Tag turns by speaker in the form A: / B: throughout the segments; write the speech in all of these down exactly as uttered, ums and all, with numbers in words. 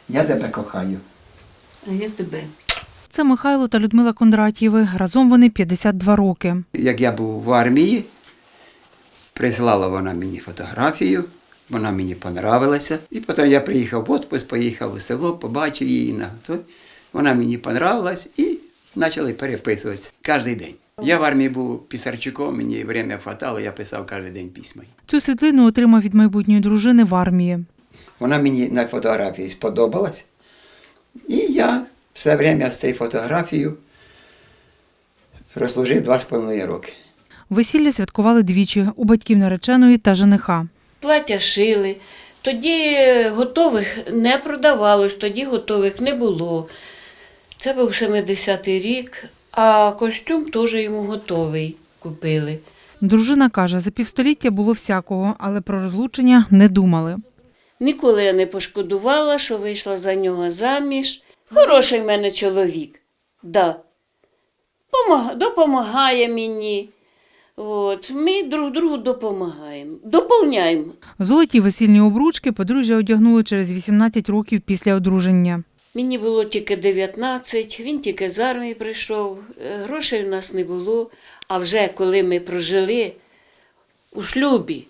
A: Я тебе кохаю.
B: А я тебе.
C: Це Михайло та Людмила Кондратєви. Разом вони п'ятдесят два роки.
A: Як я був в армії, прислала вона мені фотографію, вона мені понравилася. І потім я приїхав в відпуск, поїхав у село, побачив її. на той. Вона мені понравилась і почали переписуватися кожен день. Я в армії був писарчуком, мені время хватало, я писав кожен день письма.
C: Цю світлину отримав від майбутньої дружини в армії.
A: Вона мені на фотографії сподобалась. І я все время з цією фотографією прослужив два з половиною роки.
C: Весілля святкували двічі – у батьків нареченої та жениха.
B: Плаття шили. Тоді готових не продавалось, тоді готових не було. Це був семидесятий рік, а костюм теж йому готовий купили.
C: Дружина каже, за півстоліття було всякого, але про розлучення не думали.
B: Ніколи я не пошкодувала, що вийшла за нього заміж. Хороший в мене чоловік, да. Помаг... допомагає мені. От. Ми друг другу допомагаємо, доповняємо.
C: Золоті весільні обручки подружжя одягнули через вісімнадцять років після одруження.
B: Мені було тільки дев'ятнадцять, він тільки з армії прийшов, грошей в нас не було. А вже коли ми прожили у шлюбі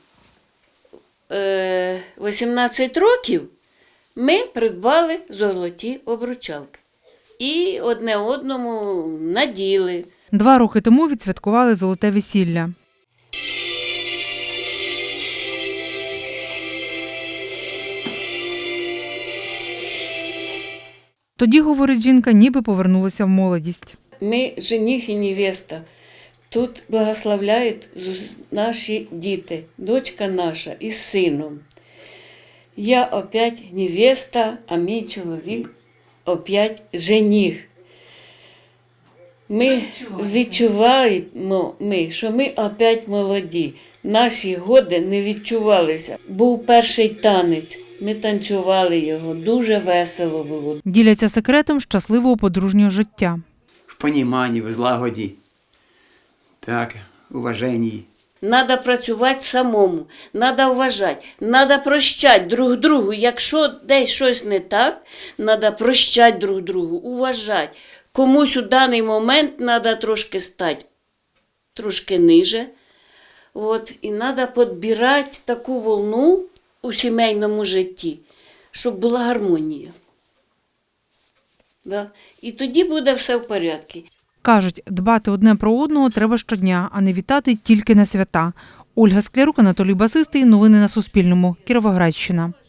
B: вісімнадцять років, ми придбали золоті обручалки. І одне одному наділи.
C: Два роки тому відсвяткували золоте весілля. Тоді, говорить жінка, ніби повернулася в молодість.
B: Ми, жених і невеста, тут благословляють наші діти, дочка наша із сином. Я опять невеста, а мій чоловік опять жених. Ми відчуваємо, ми, що ми опять молоді. Наші годи не відчувалися. Був перший танець, ми танцювали його, дуже весело було.
C: Діляться секретом щасливого подружнього життя.
A: В поніманні, в злагоді, так, уваженні.
B: Надо працювати самому, надо вважати, надо прощати друг другу. Якщо десь щось не так, надо прощати друг другу, уважати. Комусь у даний момент треба трошки стати трошки ниже. От, і треба підбирати таку волну у сімейному житті, щоб була гармонія. Да? І тоді буде все в порядку.
C: Кажуть, дбати одне про одного треба щодня, а не вітати тільки на свята. Ольга Склярук, Анатолій Басистий. Новини на Суспільному. Кіровоградщина.